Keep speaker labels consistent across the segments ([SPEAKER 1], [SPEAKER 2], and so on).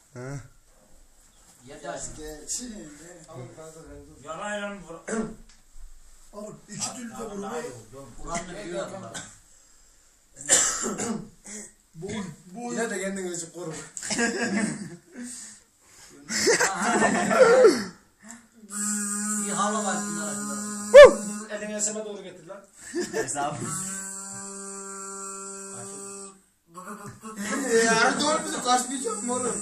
[SPEAKER 1] He.
[SPEAKER 2] Yeter.
[SPEAKER 3] Yarayla mı vur?
[SPEAKER 4] Abi iki türlü de vurmayı.
[SPEAKER 2] Kur'an'ı biliyor bunlar.
[SPEAKER 4] Bu yine de kendini için koru.
[SPEAKER 2] İyi hava var bunlara.
[SPEAKER 3] Elini eseme doğru getir lan.
[SPEAKER 5] Hesabı.
[SPEAKER 4] Ya doğru bizi kaçmayacak mı oğlum?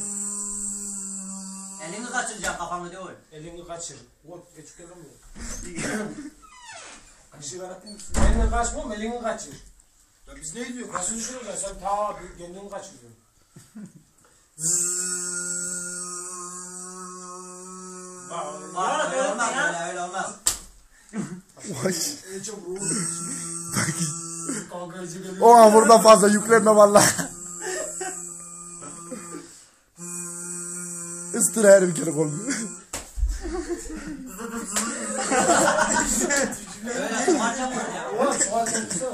[SPEAKER 2] Elini kaçıracaksın kafanı değil.
[SPEAKER 3] Elini kaçır. Oğlum küçük gelemiyor. Kaçır yaratayım mısın? Elini kaçmam, elini kaçır.
[SPEAKER 4] Ya biz ne diyor?
[SPEAKER 3] Nasıl düşünüyorsun? Sen ta kendini kaçırıyorsun.
[SPEAKER 2] Bak öyle olmaz öyle olmaz.
[SPEAKER 4] En çok ruhu. Kavgacı geliyor.
[SPEAKER 1] O an burada fazla yüklenme valla. Istıra her bir kere kolunu.
[SPEAKER 2] Öyle soğanca vur ya.
[SPEAKER 3] Oğlum soğan kendisi.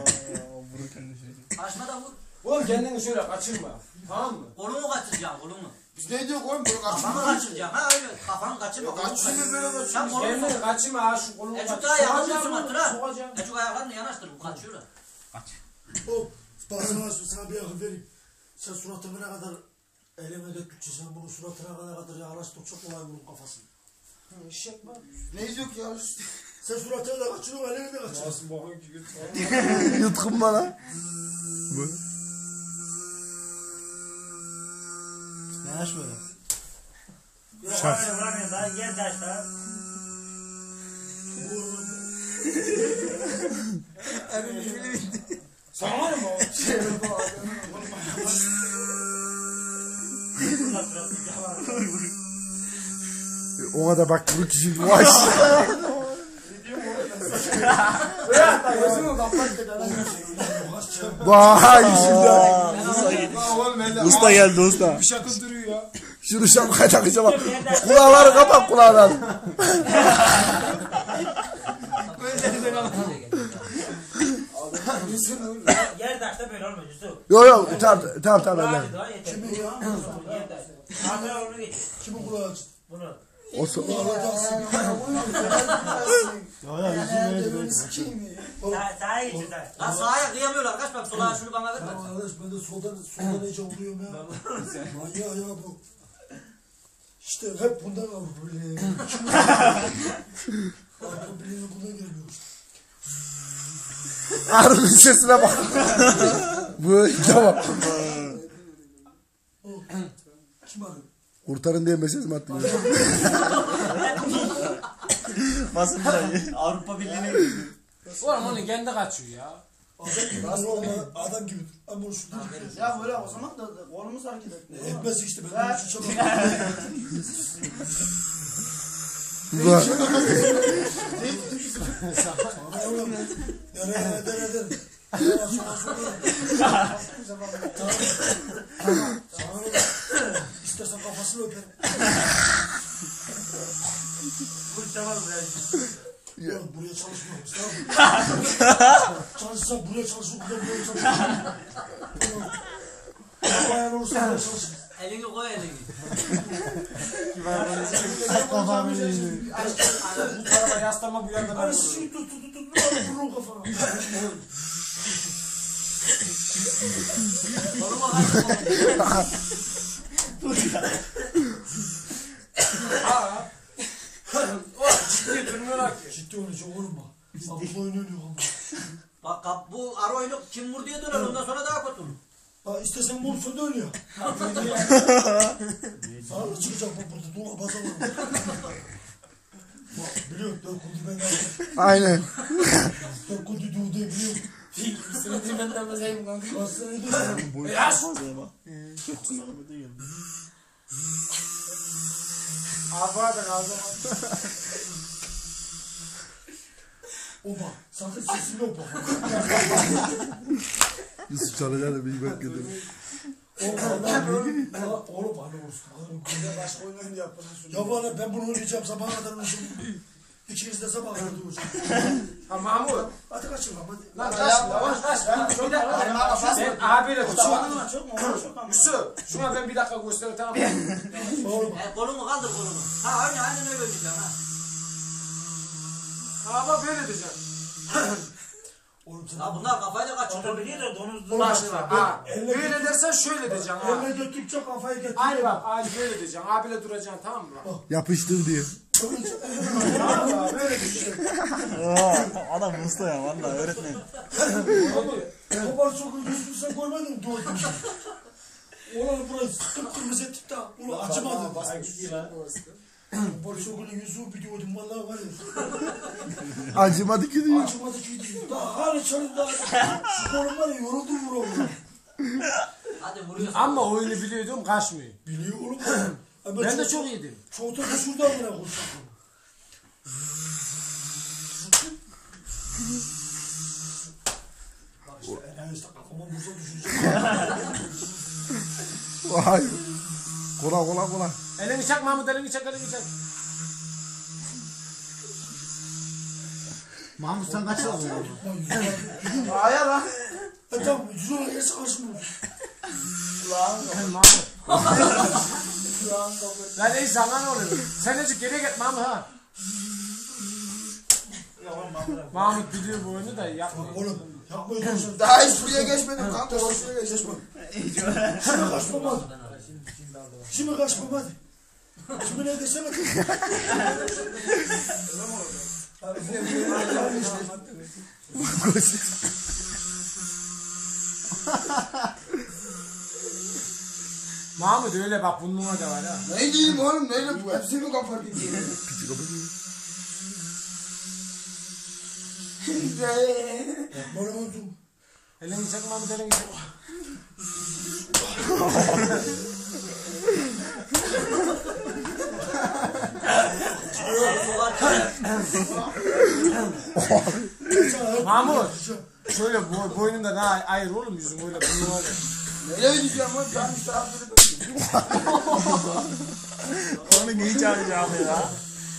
[SPEAKER 2] Kaçma da vur.
[SPEAKER 3] Oğlum kendini şöyle kaçırma. Tamam mı?
[SPEAKER 2] Kolunu kaçıracaksın kolunu.
[SPEAKER 4] Biz ne diyor oğlum? Bunu
[SPEAKER 2] Kafanı
[SPEAKER 4] kaçırma.
[SPEAKER 2] kaçıracaksın ha öyle. Kafanı kaçırma.
[SPEAKER 4] Kaçırma böyle kaçırma.
[SPEAKER 2] Sen kolunu
[SPEAKER 3] Kendini kaçırma ha şu kolunu
[SPEAKER 2] Ecuk
[SPEAKER 3] kaçır.
[SPEAKER 2] daha yakın
[SPEAKER 3] Sokacağım
[SPEAKER 2] dursun
[SPEAKER 3] bunu,
[SPEAKER 2] ha.
[SPEAKER 3] sokacağım.
[SPEAKER 2] Ecuk ayaklarını yanaştır bu kaçıyor.
[SPEAKER 4] Hop. Bak sana bir akıl vereyim. Sen suratına ne kadar eleme döktükçe sen bunu suratına ne kadar yaklaştık çok kolay vurun kafasını.
[SPEAKER 3] İş yapma.
[SPEAKER 4] Ne diyor ki ya? Sen suratına da kaçırıyorsun eleme de kaçırıyorsun.
[SPEAKER 3] Nasıl bakın ki götür.
[SPEAKER 1] Yutkun bana.
[SPEAKER 5] Yanaş böyle.
[SPEAKER 1] Şart.
[SPEAKER 5] Vuramıyor daha gel taşta.
[SPEAKER 3] Sana var mı o?
[SPEAKER 1] Ona da bak bu kişi vay.
[SPEAKER 4] Gözümü kapat da
[SPEAKER 1] Vay şimdi. Usta geldi usta.
[SPEAKER 3] Bir şakıl duruyor ya.
[SPEAKER 1] Şunu şapkaya takacağım. Kulağları kapat kulağından.
[SPEAKER 5] Yer taşta böyle olmuyor Yusuf.
[SPEAKER 1] Yok yok tamam.
[SPEAKER 5] Hadi daha yeter.
[SPEAKER 4] Kimi ya?
[SPEAKER 5] Yer taşta. Hatıra onu getir.
[SPEAKER 4] Kimi kulağı açtı?
[SPEAKER 5] Bunu.
[SPEAKER 1] O so
[SPEAKER 5] Sağa geçir sağa.
[SPEAKER 2] Lan sağa kıyamıyorlar kaç bak sola şunu bana verme.
[SPEAKER 4] Arkadaş ben de soldan iyice vuruyorum ya. Manyağı ya bu. İşte hep bundan Avrupa Birliği. Avrupa Birliği'ne bundan geliyor işte.
[SPEAKER 1] Arının sesine bak. Bu tamam.
[SPEAKER 4] Kim arıyor?
[SPEAKER 1] Kurtarın diye mesaj mı attın?
[SPEAKER 5] Basın Avrupa Birliği'ne gidiyor.
[SPEAKER 3] Oğlum onu kendi kaçıyor ya.
[SPEAKER 4] Adam gibi dur. Ama bunu şu dur.
[SPEAKER 6] Ya böyle o zaman da kolumuz hareket etmiyor.
[SPEAKER 4] Etmez işte ben bunu şu çabuk. Eder. İstersen kafasını öperim.
[SPEAKER 5] Tamam
[SPEAKER 4] Oğlum buraya çalışmıyoruz tamam mı? Çalışsam buraya çalışır, buraya çalışır. Bayan olursa buraya çalışır.
[SPEAKER 2] Elini koy elini.
[SPEAKER 3] Bu tarafa yaslama bu yana ben
[SPEAKER 4] Hani
[SPEAKER 3] vururum.
[SPEAKER 4] şunu tut vururum kafana.
[SPEAKER 2] Koluma kaçma.
[SPEAKER 3] Ha. O ciddi durmuyorlar ki.
[SPEAKER 4] Ciddi oynayacak oğlum bak. Abla oynuyor ama.
[SPEAKER 2] Bak bu ara oyunu kim vur diye döner ondan sonra daha kötü.
[SPEAKER 4] Bak istesen vursun da ölüyor. Sana da çıkacak bak burada. Dua baza var. Bak biliyorum 4 kudu ben yaptım.
[SPEAKER 1] Aynen.
[SPEAKER 4] 4 kududuğu diye biliyorum.
[SPEAKER 6] Sınıfı ben de basayım kanka.
[SPEAKER 4] Basına ediyorum.
[SPEAKER 3] Yaş. Ağzına da ağzına.
[SPEAKER 4] O bak sakın sesini yok bak.
[SPEAKER 1] Yusuf çalacağını bir bak gidelim.
[SPEAKER 4] Oğlum hani olsun.
[SPEAKER 6] Bir de başka oyunları yapalım.
[SPEAKER 4] Ya bana ben bunu oynayacağım sabaha kadar oynayacağım. İkiniz de sabah kadar hocam.
[SPEAKER 3] Ha Mahmut.
[SPEAKER 4] Hadi kaçın lan hadi.
[SPEAKER 3] Lan kaç yavaş kaç. Bir dakika. Ben abiyle tutacağım.
[SPEAKER 6] Çok mu? Çok mu?
[SPEAKER 3] Yusuf şuna ben bir dakika göster tamam mı?
[SPEAKER 2] Kolunu kaldır kolunu. Ha aynen öyle diyeceğim ha.
[SPEAKER 3] Ha bak böyle diyeceğim.
[SPEAKER 4] Oğlum sen
[SPEAKER 2] Ya bunlar kafayla kaçırıyor.
[SPEAKER 5] Olabilir de donuzlu.
[SPEAKER 3] Bak şimdi bak. Ha. Böyle dersen şöyle diyeceğim ha.
[SPEAKER 4] elime döktükçe kafayı getir.
[SPEAKER 3] Aynı bak aynı böyle diyeceğim. Abiyle duracaksın tamam mı?
[SPEAKER 1] Yapıştır diye.
[SPEAKER 3] Tamam böyle diyeceğim.
[SPEAKER 1] Adam usta ya valla öğretmen.
[SPEAKER 4] Kopar sokun yüzünü sen görmedin mi? Doğru. Ulan burası kıpkırmızı ettik de. Ulan acımadı. Kopar sokun yüzü biliyordum vallahi var ya.
[SPEAKER 1] Acımadı ki diyor.
[SPEAKER 4] Acımadı ki değil. Daha hala çalın daha. Şu kolum var ya yoruldum vuramıyorum.
[SPEAKER 2] Hadi vuruyorsun.
[SPEAKER 3] Ama oyunu biliyordum kaçmıyor.
[SPEAKER 4] Biliyor oğlum.
[SPEAKER 3] Ben de çok iyiydim.
[SPEAKER 4] Çoğuta şuradan bile koştum. Bak işte en işte kafama bursa düşecek.
[SPEAKER 1] Vay. Kola.
[SPEAKER 3] Elini çak Mahmut elini çak.
[SPEAKER 1] Mahmut sen kaç aldın?
[SPEAKER 6] Aya lan.
[SPEAKER 4] Tamam yüzü ona gelsin karşıma.
[SPEAKER 3] Mahmut. Lan iyi sana ne oluyor? Sen azıcık geriye git Mahmut ha. Mahmut biliyor bu oyunu da yapmıyor.
[SPEAKER 4] Oğlum yapmayı dursun.
[SPEAKER 6] Daha hiç buraya geçmedim kanka. Şuraya geçmem.
[SPEAKER 4] Şimdi kaçmam hadi. Şimdi kaçmam hadi. Şimdi ne desene.
[SPEAKER 3] Mahmut öyle bak bununla da var ha.
[SPEAKER 6] Ne diyeyim oğlum neyle bu? Hepsi mi kafar gibi?
[SPEAKER 4] Bana oldu.
[SPEAKER 3] Elini çak Mahmut elini çak. Mahmut. Şöyle boynunda daha ayır oğlum yüzün öyle bununla da.
[SPEAKER 6] Neyle diyeceğim lan? Ben işte abdülü
[SPEAKER 1] Onu neyi çağıracağım ya?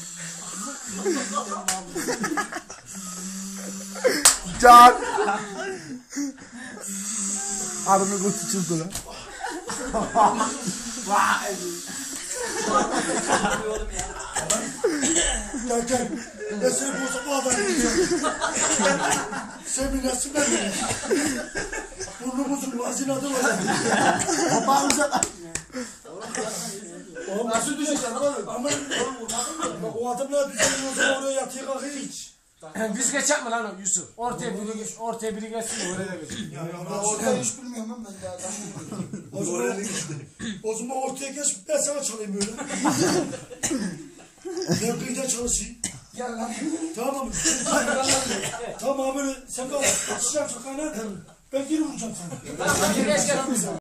[SPEAKER 1] Can. Arını kutu çıktı lan.
[SPEAKER 3] Vay.
[SPEAKER 4] Gel. Ben seni bu sabah yiyeceğim. Sen bir nasıl ben de. Burnumuzun vazinadı var. Oğlum nasıl düşeceksin oğlum? Ama bak o adam ne düşecek o zaman oraya yatıyor kalkıyor hiç.
[SPEAKER 3] Biz geçecek mi lan o Yusuf? Ortaya biri geçsin de oraya da geçsin.
[SPEAKER 6] orada hiç bilmiyorum lan ben daha.
[SPEAKER 4] O zaman ortaya geç ben sana çalayım böyle. Ben kıyıda çalışayım.
[SPEAKER 6] Gel lan.
[SPEAKER 4] Tamam mı? Tamam böyle sen kal. Açacağım sokağına. Ben geri vuracağım sana.
[SPEAKER 3] Hadi geç gel.